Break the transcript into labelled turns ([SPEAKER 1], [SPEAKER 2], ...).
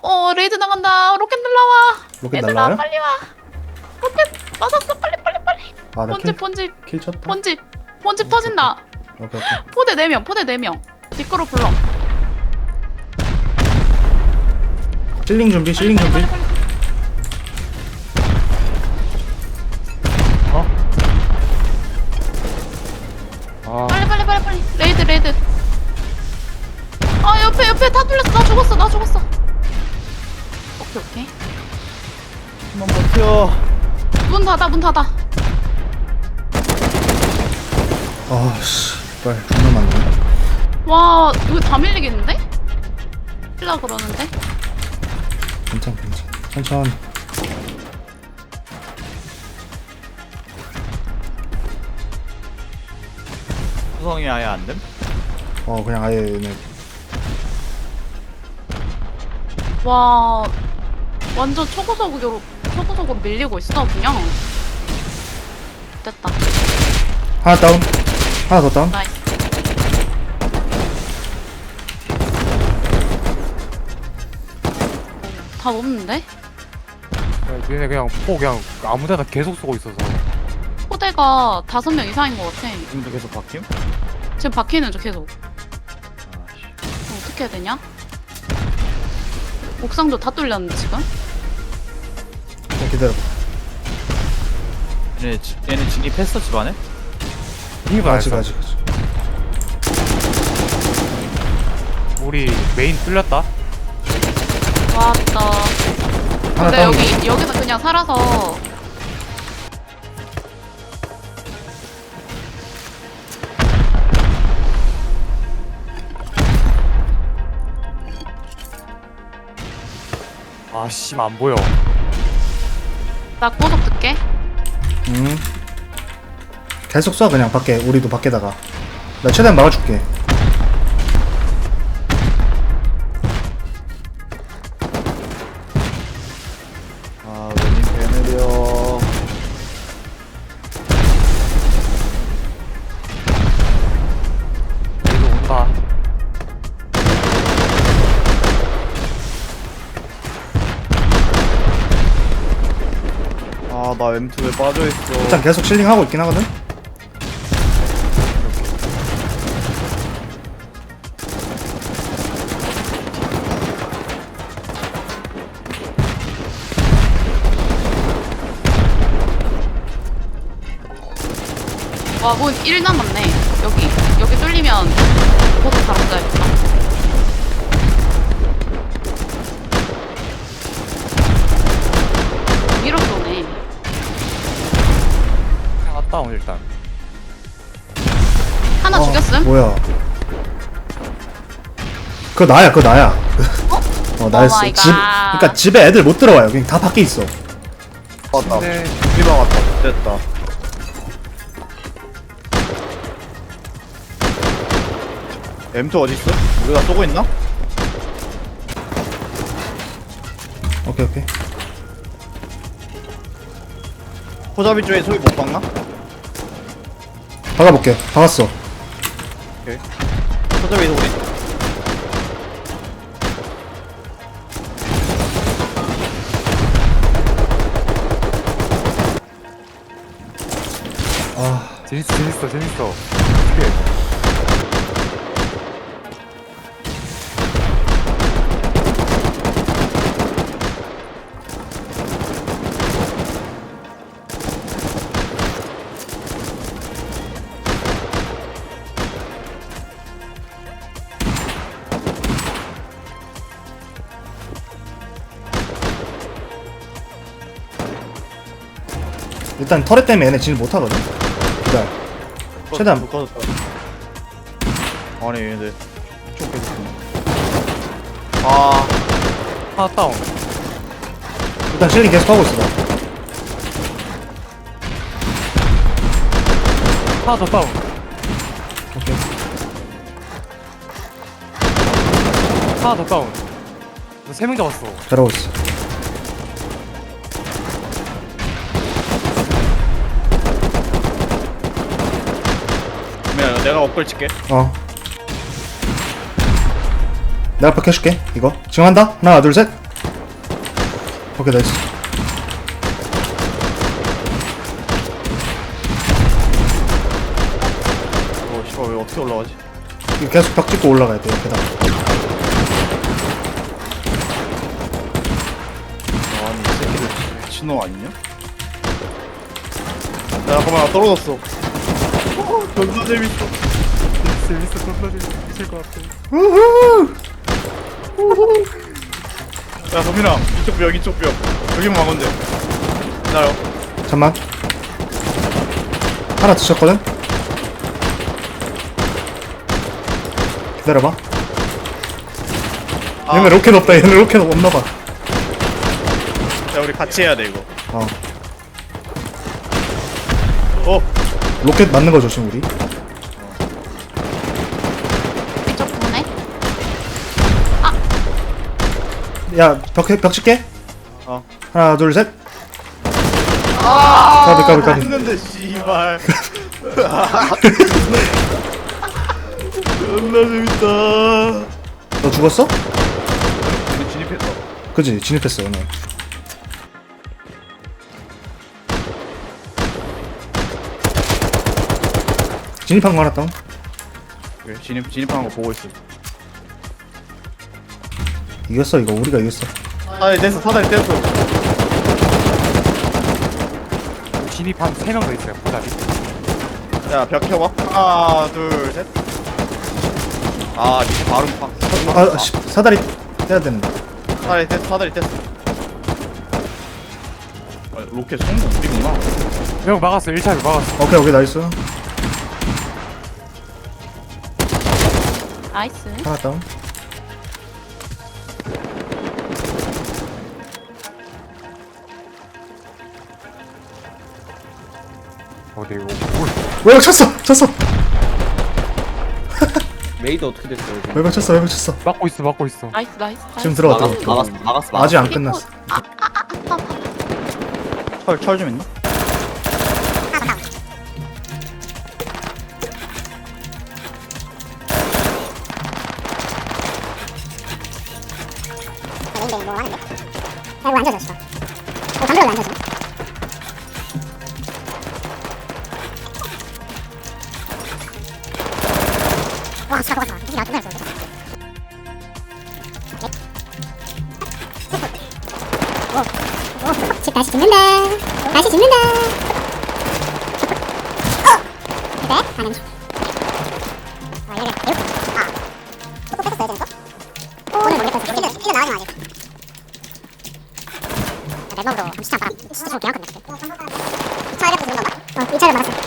[SPEAKER 1] 레이드 나간다. 로켓 날라와.
[SPEAKER 2] 로켓
[SPEAKER 1] 얘들아
[SPEAKER 2] 날라와요?
[SPEAKER 1] 빨리 와. 로켓 맞았어. 빨리.
[SPEAKER 2] 아, 나
[SPEAKER 1] 본집
[SPEAKER 2] 킬 쳤다.
[SPEAKER 1] 본집 터진다.
[SPEAKER 2] 오케이.
[SPEAKER 1] 포대 4명. 뒷거로 불러.
[SPEAKER 2] 실링 준비.
[SPEAKER 1] 빨리.
[SPEAKER 3] 아,
[SPEAKER 1] 빨리. 레이드. 아 옆에 다 뚫렸어. 나 죽었어. 오케이.
[SPEAKER 3] 한번 버텨.
[SPEAKER 1] 문 닫아.
[SPEAKER 2] 아씨, 빨리 존나 많네.
[SPEAKER 1] 와 이거 다 밀리겠는데? 힐라 그러는데?
[SPEAKER 2] 괜찮. 천천히.
[SPEAKER 3] 구성이 아예 안 됨?
[SPEAKER 2] 그냥 아예 얘네.
[SPEAKER 1] 와 완전 초고속으로 밀리고 있어 그냥. 됐다.
[SPEAKER 2] 하나 다운. 하나 더 다운.
[SPEAKER 1] 나이스. 다 없는데?
[SPEAKER 4] 얘네 그냥 그냥 아무데나 계속 쏘고 있어서.
[SPEAKER 1] 포대가 5명 이상인 것 같아.
[SPEAKER 3] 지금도 계속 바뀜?
[SPEAKER 1] 지금 바뀌는 중 계속.
[SPEAKER 3] 아씨.
[SPEAKER 1] 어떻게 해야 되냐? 옥상도 다 뚫렸는데 지금?
[SPEAKER 2] 자, 기다려봐.
[SPEAKER 3] 얘네 진입했어 집안에?
[SPEAKER 4] 이거
[SPEAKER 2] 아직.
[SPEAKER 4] 알았어. 우리 메인 뚫렸다.
[SPEAKER 1] 왔다.
[SPEAKER 2] 하나
[SPEAKER 1] 근데
[SPEAKER 2] 다운.
[SPEAKER 1] 여기서 그냥 살아서
[SPEAKER 4] 아씨 안 보여.
[SPEAKER 1] 나 고속 듣게.
[SPEAKER 2] 계속 쏴 그냥 밖에. 우리도 밖에다가. 나 최대한 막아줄게.
[SPEAKER 3] 아 웬님 배느려.
[SPEAKER 4] 얘도 온다.
[SPEAKER 3] 아 나 M2 왜 빠져있어.
[SPEAKER 2] 일단 계속 실링하고 있긴 하거든.
[SPEAKER 1] 와, 문 1 남았네. 여기 뚫리면 고속 바로 가야겠다. 위로 쏘네.
[SPEAKER 4] 하나 다운 일단.
[SPEAKER 1] 하나 죽였음?
[SPEAKER 2] 뭐야? 그거 나야. 나였어.
[SPEAKER 1] 마이 갓.
[SPEAKER 2] 그러니까 집에 애들 못 들어와요. 그냥 다 밖에 있어.
[SPEAKER 3] 맞다.
[SPEAKER 4] 네.
[SPEAKER 3] 피방 왔다. 됐다. M2 어딨어? 우리가 쏘고 있나?
[SPEAKER 2] 오케이.
[SPEAKER 3] 포잡이 쪽에 소리 못 박나?
[SPEAKER 2] 박아볼게. 박았어.
[SPEAKER 3] 오케이. 포잡이 소리.
[SPEAKER 4] 재밌어. 어떡해.
[SPEAKER 2] 일단 터렛 때문에 얘네 진입 못하거든. 기다려. 최대한.
[SPEAKER 3] 꺼졌다. 아니 얘네들 좀 계속 쏘네. 아
[SPEAKER 4] 하나 다운.
[SPEAKER 2] 일단 실링 계속 하고 있어. 나.
[SPEAKER 4] 하나 더 다운.
[SPEAKER 2] 오케이.
[SPEAKER 4] 하나 더 다운. 너 3명 잡았어.
[SPEAKER 2] 잘하고 있어.
[SPEAKER 3] 그러면 내가 업글 칠게.
[SPEAKER 2] 내가 앞에 켜줄게. 이거 지금 한다. 하나 둘 셋. 오케이 나이스.
[SPEAKER 3] 씨발 왜 어떻게 올라가지?
[SPEAKER 2] 이거 계속 벽 찍고 올라가야 돼요 계단.
[SPEAKER 3] 아니 이 새끼들 미친놈 아니냐? 야 잠깐만 나 떨어졌어. 존나 재밌어.
[SPEAKER 4] 재밌어. 존나 재밌을 것 같아.
[SPEAKER 3] 야 서민아 이쪽 벽 이쪽 벽 여기만 막으면 돼. 기다려.
[SPEAKER 2] 잠만. 하나 드셨거든? 기다려봐.
[SPEAKER 3] 아,
[SPEAKER 2] 얘네 로켓 없다. 얘네 로켓 없나봐.
[SPEAKER 3] 야 우리 같이 해야 돼 이거.
[SPEAKER 2] 어.
[SPEAKER 3] 어
[SPEAKER 2] 로켓 맞는 거 조심 우리.
[SPEAKER 1] 이쪽 보네.
[SPEAKER 2] 야 벽 칠게.
[SPEAKER 3] 어.
[SPEAKER 2] 하나 둘 셋. 까비.
[SPEAKER 3] 했는데 씨발. 존나 재밌다.
[SPEAKER 2] 너 죽었어?
[SPEAKER 3] 우리 진입했어.
[SPEAKER 2] 그지 진입했어 오늘. 진입한 거 하나 다운.
[SPEAKER 3] 그래 진입하는 거 보고 있어.
[SPEAKER 2] 이겼어 이거 우리가 이겼어.
[SPEAKER 3] 사다리 뗐어 사다리 뗐어.
[SPEAKER 4] 진입한 3명 더 있어요. 보다리.
[SPEAKER 3] 야벽 켜봐. 하나 둘 셋. 아 밑에 바로 팍.
[SPEAKER 2] 아 씨, 사다리 떼야 되는데.
[SPEAKER 3] 사다리 뗐어 사다리 뗐어. 아, 로켓 성공 우리구나.
[SPEAKER 4] 형 막았어. 1차를 막았어.
[SPEAKER 2] 오케이 나이스.
[SPEAKER 1] 나이스.
[SPEAKER 2] 하나 다운.
[SPEAKER 4] 네 이거
[SPEAKER 2] 외벽 쳤어.
[SPEAKER 5] 메이드 어떻게 됐어요? 지금?
[SPEAKER 2] 외벽 쳤어.
[SPEAKER 4] 막고 있어.
[SPEAKER 1] 나이스.
[SPEAKER 2] 지금 들어갔다.
[SPEAKER 5] 막았어.
[SPEAKER 2] 아직 안 끝났어.
[SPEAKER 3] 철 좀 있나?
[SPEAKER 6] 아이고 안 젖었어. 담배로 안 젖어. 와 진짜 좋았다. 이게 나 끝났어. 집 다시 짓는다. 그래? 가능. 이렇게. 또 뺐었어야 되는 거? 오늘 모르겠어. 이거 나가지 마 아직. 랩업으로 시장 바람 진짜 좋게 한 건데. 2차 이렇게 주는 건가? 2차를 막았어.